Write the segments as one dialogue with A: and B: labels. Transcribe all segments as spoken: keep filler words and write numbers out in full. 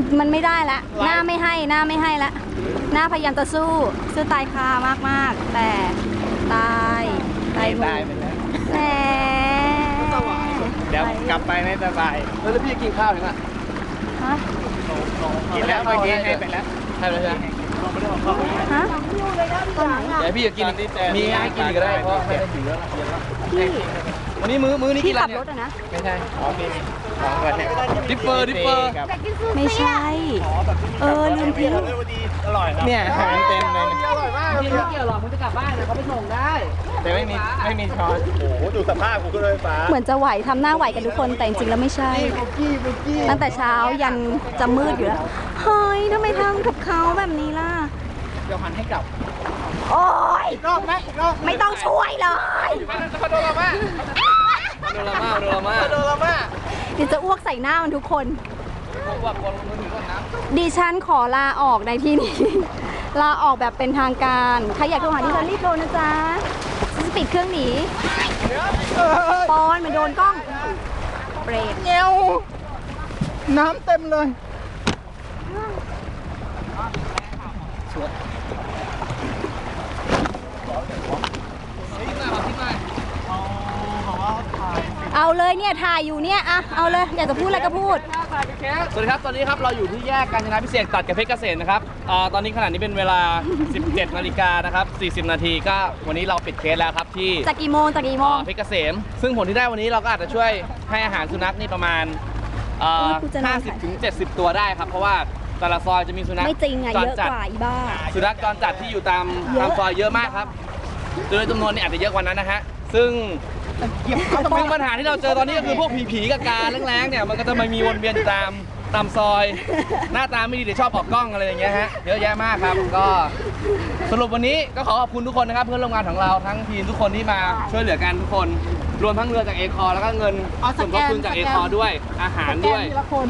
A: มันไม่ได้ละหน้าไม่ให้หน้าไม่ให้ละหน้าพยายามจะสู้สู้ตายคามากๆแต่ตายตายตายไปแล้วแหม
B: เดี๋ยวกลับไปไม่สบายแล้วพี่กินข้าวยังอ่ะ
A: ฮะ
B: กินแล้วเมื่อกี้ให้ไปแล้วให้ไปแล้วใช่ไหม
A: ฮะ
B: เดี๋ยวพี่จะกินมีให้กินอีกก็ได้เพราะไม่ได้ถึงแล้วพี่วันนี้มื้อมื้อนี้กินอะไรเนี่ยไม่ใช่อ๋อมีของก่อนเนี่ยดิปเปอร์ดิปเปอร์
A: ไม่ใช่เออลืมทิ้ง
B: อร่อยครับเนี่ยหางเต็มเลย
C: อร่อยมาก
D: จริงไม่เกี่ยวหรอกมึงจะกลับบ้านนะเขาไปส่งได้
B: แต่ไม่มีไม่มีช้อน
C: โอ้โหดูสภาพกูขึ้นรถไฟฟ้า
A: เหมือนจะไหวทำหน้าไหวกันทุกคนแต่จริงๆแล้วไม่ใช่ตั้งแต่เช้ายันจะมืดอยู่แล้วเฮ้ยทำไมทำกับเขาแบบนี้ล่ะ
B: เดี๋ยวหันให้กลับ
A: โอ๊ย
C: รอบไหมรอบ
A: ไม่ต้องช่วยเลย
B: พาโดราม่าพาโดราม่าพาโดราม่าพาโดราม่า
A: เดี๋ยวจะอ้วกใส่หน้ามันทุกคนดิฉันขอลาออกในที่นี้ลาออกแบบเป็นทางการใครอยากโทรหาดิฉันรีบโทรนะจ๊ะฉันจะปิดเครื่องหนีปอนมันโดนกล้องเบรก
C: เงี้ยวน้ำเต็มเลย
A: เอาเลยเนี่ยถ่ายอยู่เนี่ยอะเอาเลยอยากจะพูดอะไรก็พูด
B: สวัสดีครับตอนนี้ครับเราอยู่ที่แยกกาญจนาพิเศษตัดกับเพชรเกษมนะครับตอนนี้ขณะนี้เป็นเวลา สิบเจ็ดนาฬิกานะครับสี่สิบนาทีก็วันนี้เราปิดเคสแล้วครับที่
A: จากกี่โมงจากกี่โมง
B: เพชรเกษมซึ่งผลที่ได้วันนี้เราก็อาจจะช่วยให้อาหารสุนัขนี่ประมาณห้าสิบถึงเจ็ดสิบตัวได้ครับเพราะว่าแต่ละซอยจะมีสุนัข
A: ไม่จริงอะเยอะกว่าอีบ้า
B: สุนัขจรจัดที่อยู่ตามตามซอยเยอะมากครับโดยจำนวนนี่อาจจะเยอะกว่านั้นนะฮะซึ่งซึ่งปัญหาที่เราเจอตอนนี้ก็คือพวกผีๆกับกาแรงๆเนี่ยมันก็จะมามีวนเวียนอยู่ตามตามซอยหน้าตาไม่ดีเดี๋ยวชอบออกกล้องอะไรอย่างเงี้ยฮะเยอะแยะมากครับก็สรุปวันนี้ก็ขอขอบคุณทุกคนนะครับเพื่อนร่วมงานของเราทั้งทีมทุกคนที่มาช่วยเหลือกันทุกคนรวมทั้งเรือจากเอคอแล้วก็เงินส่วนทบทุนจากเอคอด้วยอาหารด้วย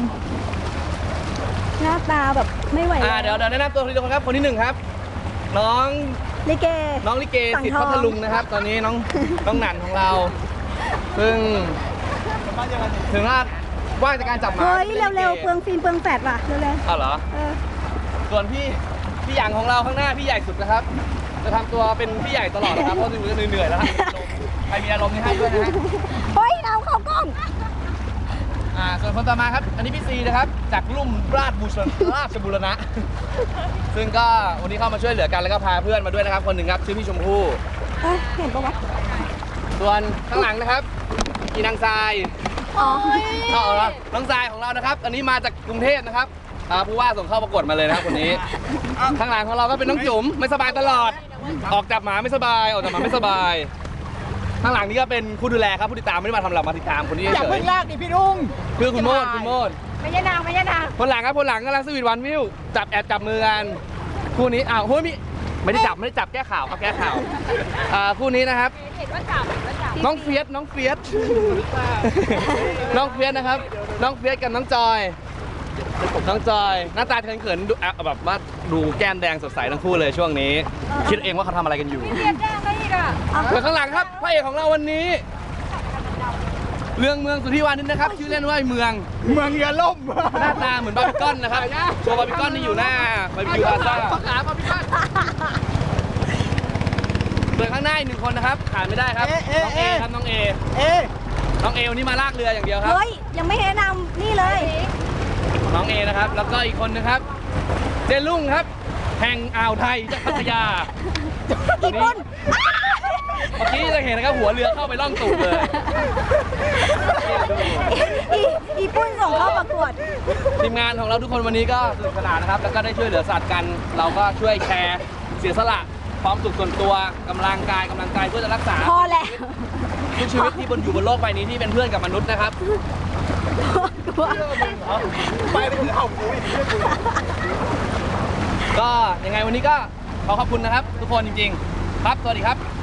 A: หน้าตาแบบไม่ไหว
B: อ่าเดี๋ยวเดี๋ยวแนะนำตัวทีละคนครับคนที่หนึ่งครับน้อง
A: ลิเก
B: น้องลิเกสิทธิ์พัทลุงนะครับตอนนี้น้องน้องหนันของเราซึ่งถึงว่าว่างจากการจับหมา
A: เฮ้ยเร็วๆเปลืองฟิล์มเปลืองแฟลชว่ะเร็ว
B: ๆอ๋อเหรอส่วนพี่พี่หยางของเราข้างหน้าพี่ใหญ่สุดนะครับจะทำตัวเป็นพี่ใหญ่ตลอดนะครับเพราะดูจะเหนื่อยๆแล้วใครมีอารมณ์นี่ให้ด้วยนะฮะ
A: เฮ้ยเราเข้ากล้อง
B: อ่าส่วนคนต่อมาครับอันนี้พี่ซีนะครับจากลุ่มราชบุรราชบุรณะซึ่งก็วันนี้เข้ามาช่วยเหลือกันแล้วก็พาเพื่อนมาด้วยนะครับคนหนึ่งครับชื่อพี่ชมพู่
A: เห็นปะวะ
B: ส่วนข้างหลังนะครับอีนางทราย
A: อ๋อ
B: เอาละน้องทรายของเรานะครับอันนี้มาจากกรุงเทพนะครับผู้ว่าส่งเข้าประกวดมาเลยนะครับคนนี้ข้างหลังของเราก็เป็นน้องจุ๋มไม่สบายตลอดออกจับหมาไม่สบายออกจับหมาไม่สบายข้างหลังนี้ก็เป็นผู้ดูแลครับผู้ติดตามไม่ได้มาทำหลักมาติดตามคนนี้เฉยอย่า
C: เพิ่งลากดิพี่ลุง
B: คือคุณโมดคุณโมด
A: ไม่ใช่นางไม่ใช่นาง
B: คนหลังครับคนหลังกำลังสวีทวันวิวจับแอบจับมือกันคู่นี้อ้าวคู่นี้ไม่ได้จับไม่ได้จับแก้ข่าวครับแก้ข่าวคู่นี้นะครับ
A: เห็นว่าจับ
B: น้องเฟียสน้องเฟียสน้องเฟียสนะครับน้องเฟียสกับน้องจอยน้องจอยหน้าตาเขินๆดูแบบว่าดูแก้มแดงสดใสทั้งคู่เลยช่วงนี้คิดเองว่าเขาทำอะไรกันอยู่แล้วข้างหลังครับพระเอกของเราวันนี้เรื่องเมืองสุทธิวานิชนะครับชื่อเล่นว่าเมือง
C: เมืองยาล่ม
B: หน้าตาเหมือนบาร์บีคอนนะครับโชว์บาร์บีคอนนี่อยู่หน้าบาร์บีคิวพาซ่าบาร์บีคอนส่วนข้างหน้าอีกหนึ่งคนนะครับขาดไม่ได้ครับน้องเอครับน้องเอเอน้องเอวันนี้มาลากเรืออย่างเดียวครับ
A: เฮ้ยยังไม่แนะนำนี่เลย
B: น้องเอนะครับแล้วก็อีกคนนะครับเจลุงครับแห่งอ่าวไทยจากพัทยา
A: อีกคน
B: เมื่อกี้จะเห็นนะครับหัวเรือเข้าไปล่องตูดเลย
A: อีอีปุ้นส่งเข้าประกวด
B: ทีมงานของเราทุกคนวันนี้ก็สนุกสนานนะครับแล้วก็ได้ช่วยเหลือสัตว์กันเราก็ช่วยแชร์เสียสละความสุขส่วนตัวกำลังกายกำลังกายเพื่อจะรักษา
A: พอแล้ว
B: ทุกชีวิตที่บนอยู่บนโลกใบนี้ที่เป็นเพื่อนกับมนุษย์นะครับ
C: ไปไปถึงเอาคุย
B: ก็ยังไงวันนี้ก็ขอขอบคุณนะครับทุกคนจริงๆครับสวัสดีครับ